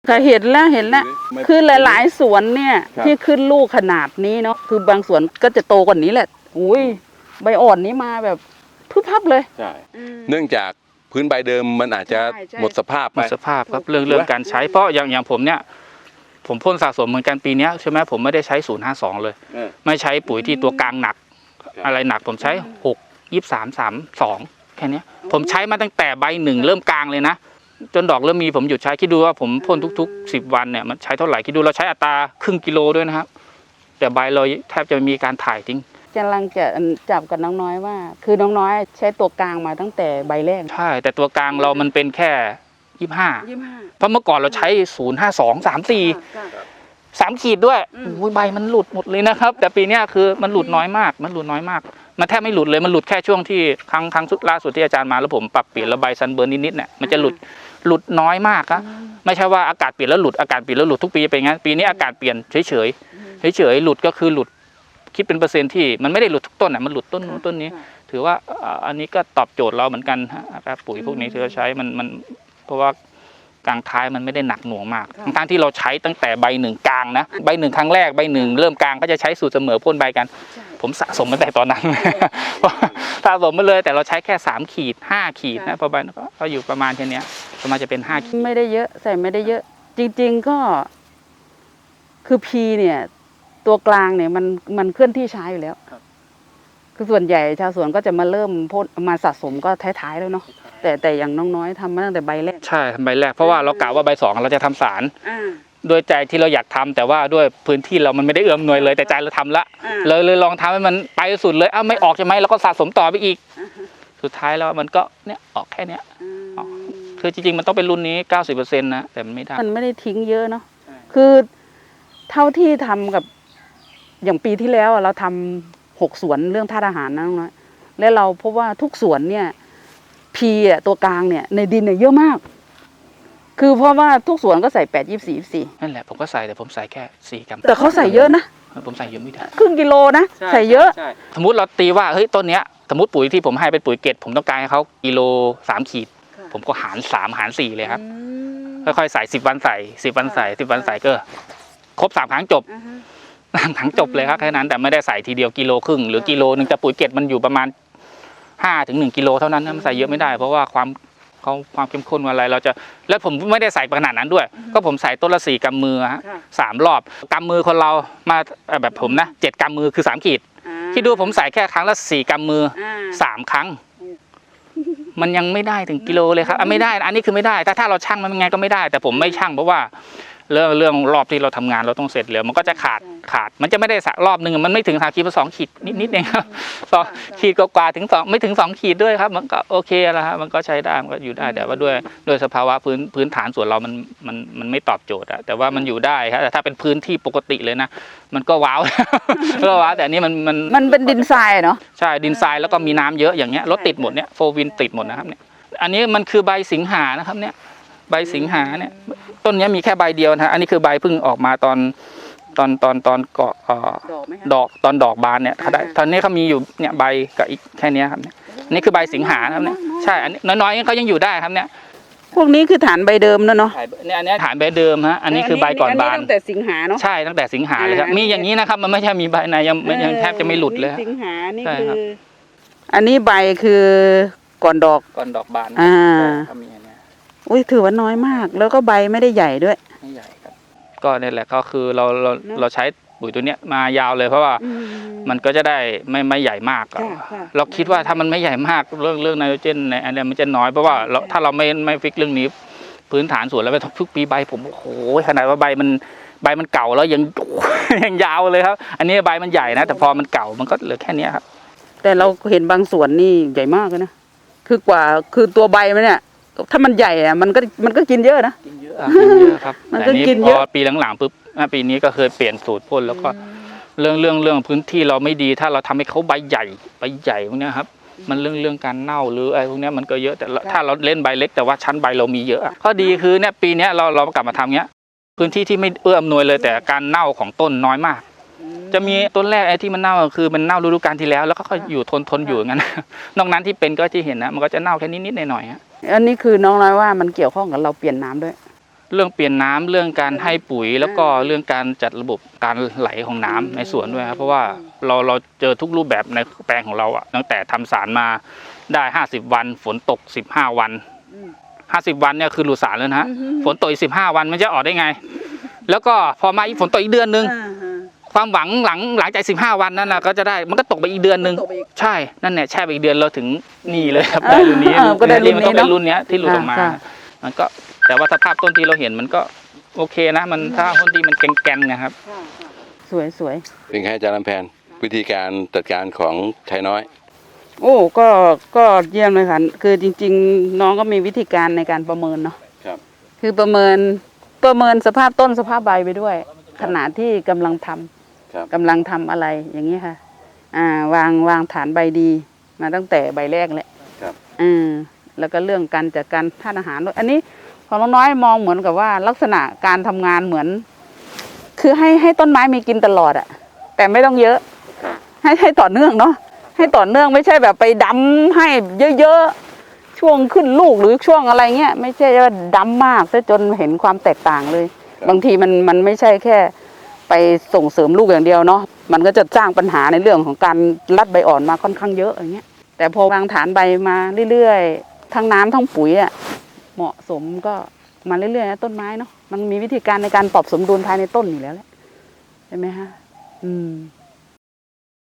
ค่ะเห็นแล้วคือหลายๆสวนเนี่ยที่ขึ้นลูกขนาดนี้เนาะคือบางสวนก็จะโตกว่านี้แหละอุ้ยใบอ่อนนี้มาแบบพึบพับเลยใช่เนื่องจากพื้นใบเดิมมันอาจจะหมดสภาพไปหมดสภาพครับเรื่องการใช้เพราะอย่างผมเนี่ยผมพ่นสะสมเหมือนกันปีนี้ใช่ไหมผมไม่ได้ใช้052เลยไม่ใช้ปุ๋ยที่ตัวกลางหนักอะไรหนักผมใช้6 23 32แค่นี้ผมใช้มาตั้งแต่ใบหนึ่งเริ่มกลางเลยนะจนดอกเริ่มมีผมหยุดใช้คิดดูว่าผมพ่นทุกๆ10 วันเนี่ยมันใช้เท่าไหร่คิดดูเราใช้อัตราครึ่งกิโลด้วยนะครับแต่ใบเราแทบจะมีการถ่ายทิ้งกำลังจะจับกับน้องน้อยว่าคือน้องน้อยใช้ตัวกลางมาตั้งแต่ใบแรกใช่แต่ตัวกลางเรามันเป็นแค่25เพราะเมื่อก่อนเราใช้052 34 3 ขีดด้วยใบมันหลุดหมดเลยนะครับแต่ปีนี้คือมันหลุดน้อยมากมันแทบไม่หลุดเลยมันหลุดแค่ช่วงที่ครั้งสุดล่าสุดที่อาจารย์มาแล้วผมปรับเปลี่ยนระบายซันเบิร์นนิดๆเนี่ยมันจะหลุดน้อยมากครับไม่ใช่ว่าอากาศเปลี่ยนแล้วหลุดอากาศเปลี่ยนแล้วหลุดทุกปีเป็นงั้นปีนี้อากาศเปลี่ยนเฉยหลุดก็คือหลุดคิดเป็นเปอร์เซ็นต์ที่มันไม่ได้หลุดทุกต้นมันหลุดต้นนู้นต้นนี้ถือว่าอันนี้ก็ตอบโจทย์เราเหมือนกันครับปุ๋ยพวกนี้ที่เราใช้มันเพราะว่ากลางท้ายมันไม่ได้หนักหน่วงมากทั้งที่เราใช้ตั้งแต่ใบหนึ่งกลางนะใบหนึ่งครั้งแรกใบหนึ่งเริ่มกลางก็จะใช้สูตรเสมอพ่นใบกันผมสะสมมาแต่ตอนนั้นสะสมมาเลยแต่เราใช้แค่3 ขีด 5 ขีดนะพอใบก็อยู่ประมาณแค่นี้ประมาณจะเป็น5 ขีดไม่ได้เยอะใส่ไม่ได้เยอะจริงๆก็คือพีเนี่ยตัวกลางเนี่ยมันเคลื่อนที่ช้าอยู่แล้วคือส่วนใหญ่ชาวสวนก็จะมาเริ่มพ่นมาสะสมก็ท้ายๆแล้วเนาะแต่อย่างน้องน้อยทำมาตั้งแต่ใบแรกใช่ทำใบแรกเพราะว่าเรากะว่าใบ2เราจะทำสารโดยใจที่เราอยากทำแต่ว่าด้วยพื้นที่เรามันไม่ได้เอื้อมหน่วยเลยแต่ใจเราทำละเลยลองทำให้มันไปสุดเลยไม่ออกใช่ไหมแล้วก็สะสมต่อไปอีกสุดท้ายแล้วมันก็เนี่ยออกแค่เนี้ยคือจริงๆมันต้องเป็นรุ่นนี้ 90% นะแต่มันไม่ได้ทิ้งเยอะเนาะคือเท่าที่ทำกับอย่างปีที่แล้วเราทำ6 สวนเรื่องธาตุอาหารนะน้องน้อยและเราพบว่าทุกสวนเนี่ยพีตัวกลางเนี่ยในดินเนี่ยเยอะมากคือเพราะว่าทุกสวนก็ใส่8 24 24 นั่นแหละผมก็ใส่แต่ผมใส่แค่4 กรัมแต่เขาใส่เยอะนะผมใส่เยอะไม่ได้ครึ่งกิโลนะใส่เยอะสมมติเราตีว่าเฮ้ยต้นเนี้ยสมมติปุ๋ยที่ผมให้เป็นปุ๋ยเกล็ดผมต้องการให้เขากิโล3 ขีดผมก็หาร3หาร4เลยครับค่อยๆใส่10 วันใส่10 วันใส่10 วันใส่ก็ครบ3 ครั้งจบ3 ครั้งจบเลยครับแค่นั้นแต่ไม่ได้ใส่ทีเดียว1.5 กิโลหรือ1 กิโลแต่ปุ๋ยเกล็ดมันอยู่ประมาณ5 ถึง 1 กิโลเท่านั้นมันใส่เยอะไม่ได้เพราะว่าความเข้มข้นอะไรเราจะแล้วผมไม่ได้ใส่ขนาดนั้นด้วยก็ผมใส่ต้นละ4 กำมือ3 รอบกำมือคนเรามาแบบผมนะ7 กำมือคือ3 ขีดคิดดูผมใส่แค่ครั้งละ4 กำมือ3 ครั้งมันยังไม่ได้ถึงกิโลเลยครับไม่ได้อันนี้คือไม่ได้ถ้าเราชั่งมันยังไงก็ไม่ได้แต่ผมไม่ชั่งเพราะว่าเรื่องรอบที่เราทำงานเราต้องเสร็จเร็วมันก็จะขาดมันจะไม่ได้รอบหนึ่งมันไม่ถึง3 ขีด2 ขีดนิดเองครับ2 ขีดกว่าถึง2ไม่ถึง2 ขีดด้วยครับมันก็โอเคแล้วครับมันก็ใช้ได้มันก็อยู่ได้แต่ว่าด้วยสภาวะพื้นฐานส่วนเรามันไม่ตอบโจทย์อะแต่ว่ามันอยู่ได้ครับแต่ถ้าเป็นพื้นที่ปกติเลยนะมันก็ว้าวแต่อันนี้มันเป็นดินทรายเนาะใช่ดินทรายแล้วก็มีน้ำเยอะอย่างเงี้ยรถติดหมดเนี่ยโฟวินติดหมดนะครับเนี่ยอันนี้มันคือใบสิงหานะครับเนี่ยใบสิงหาเนี่ยต้นนี้มีแค่ใบเดียวนะอันนี้คือใบเพิ่งออกมาตอนเกาะดอกบานเนี่ยตอนนี้เขามีอยู่เนี่ยใบกับอีกแค่นี้ครับเนี่ยนี่คือใบสิงหาครับเนี่ยใช่อันนี้น้อยๆเขายังอยู่ได้ครับเนี่ยพวกนี้คือฐานใบเดิมเนาะเนี่ยอันนี้ฐานใบเดิมฮะอันนี้คือใบก่อนบานตั้งแต่สิงหาเนาะใช่ตั้งแต่สิงหาเลยครับมีอย่างนี้นะครับมันไม่ใช่มีใบในยังแทบจะไม่หลุดเลยสิงหานี่คืออันนี้ใบคือก่อนดอกบานอุ้ยถือว่าน้อยมากแล้วก็ใบไม่ได้ใหญ่ด้วยไม่ใหญ่ครับก็นี่แหละก็คือเราใช้ปุ๋ยตัวเนี้ยมายาวเลยเพราะว่ามันก็จะได้ไม่ใหญ่มากเราคิดว่าถ้ามันไม่ใหญ่มากเรื่องไนโตรเจนในอันนี้มันจะน้อยเพราะว่าถ้าเราไม่ฟิกเรื่องนี้พื้นฐานสวนแล้วไปทุกปีใบผมโอ้โหขนาดว่าใบมันเก่าแล้วยังยาวเลยครับอันนี้ใบมันใหญ่นะแต่พอมันเก่ามันก็เหลือแค่นี้ครับแต่เราเห็นบางสวนนี่ใหญ่มากเลยนะคือตัวใบมันเนี่ยถ้ามันใหญ่อะมันก็กินเยอะนะกินเยอะครับมันก็กินเยอะปีหลังๆปุ๊บปีนี้ก็เคยเปลี่ยนสูตรพ่นแล้วก็เรื่องพื้นที่เราไม่ดีถ้าเราทำให้เขาใบใหญ่พวกนี้ครับมันเรื่องการเน่าหรืออะไรพวกนี้มันก็เยอะแต่ถ้าเราเล่นใบเล็กแต่ว่าชั้นใบเรามีเยอะข้อดีคือเนี่ยปีนี้เรากลับมาทำเนี้ยพื้นที่ที่ไม่เอื้ออำนวยเลยแต่การเน่าของต้นน้อยมากจะมีต้นแรกไอ้ที่มันเน่าคือมันเน่าฤดูกาลที่แล้วแล้วก็อยู่ทนอยู่อย่างนั้นนอกนั้นที่เป็นก็ที่เห็นนะมันก็จะเน่าแค่นิดๆหน่อยๆอันนี้คือน้องน้อยว่ามันเกี่ยวข้องกับเราเปลี่ยนน้ำด้วยเรื่องเปลี่ยนน้ำเรื่องการให้ปุ๋ย แล้วก็เรื่องการจัดระบบการไหลของน้ำในสวนด้วยครับเพราะว่าเราเจอทุกรูปแบบในแปลงของเราอะตั้งแต่ทำสารมาได้50 วันฝนตก15 วัน50 วันเนี่ยคือหลุดสารแล้วนะฮะฝนตกอีก15 วันมันจะออกได้ไง แล้วก็พอมาอีกฝนตกอีกเดือนนึงความหวังหลังจาก15 วันนั้นนะก็จะได้มันก็ตกไปอีกเดือนนึงใช่นั่นเนี่ยแช่ไปอีกเดือนเราถึงนี่เลยครับได้รุ่นนี้ก็ได้รุ่นนี้มันก็เป็นเนาะรุ่นเนี้ยที่หลุดออกมา มันก็แต่ว่าสภาพต้นที่เราเห็นมันก็โอเคนะมันถ้าต้นที่มันแกนๆนะครับสวยสวยเป็นไงอาจารย์ลำแพนวิธีการจัดการของชายน้อยโอ้ก็เยี่ยมเลยค่ะคือจริง ๆ น้องก็มีวิธีการในการประเมินเนาะครับคือประเมินสภาพต้นสภาพใบไปด้วย ขณะที่กำลังทำครับกำลังทำอะไรอย่างนี้ค่ะวางฐานใบดีมาตั้งแต่ใบแรกแหละครับแล้วก็เรื่องการจัดการธาตุอาหารด้วยอันนี้ของน้องน้อยมองเหมือนกับว่าลักษณะการทำงานเหมือน คือให้ต้นไม้มีกินตลอดอะแต่ไม่ต้องเยอะ ให้ต่อเนื่องเนาะให้ต่อเนื่องไม่ใช่แบบไปดำให้เยอะๆช่วงขึ้นลูกหรือช่วงอะไรเงี้ยไม่ใช่ว่าดำมากซะจนเห็นความแตกต่างเลย บางทีมันไม่ใช่แค่ไปส่งเสริมลูกอย่างเดียวเนาะมันก็จะสร้างปัญหาในเรื่องของการรัดใบอ่อนมาค่อนข้างเยอะอย่างเงี้ยแต่พอวางฐานใบมาเรื่อยๆทั้งน้ำทั้งปุ๋ยอะเหมาะสมก็มาเรื่อยๆนะต้นไม้เนาะมันมีวิธีการในการปรับสมดุลภายในต้นอยู่แล้วแหละใช่ไหมฮะ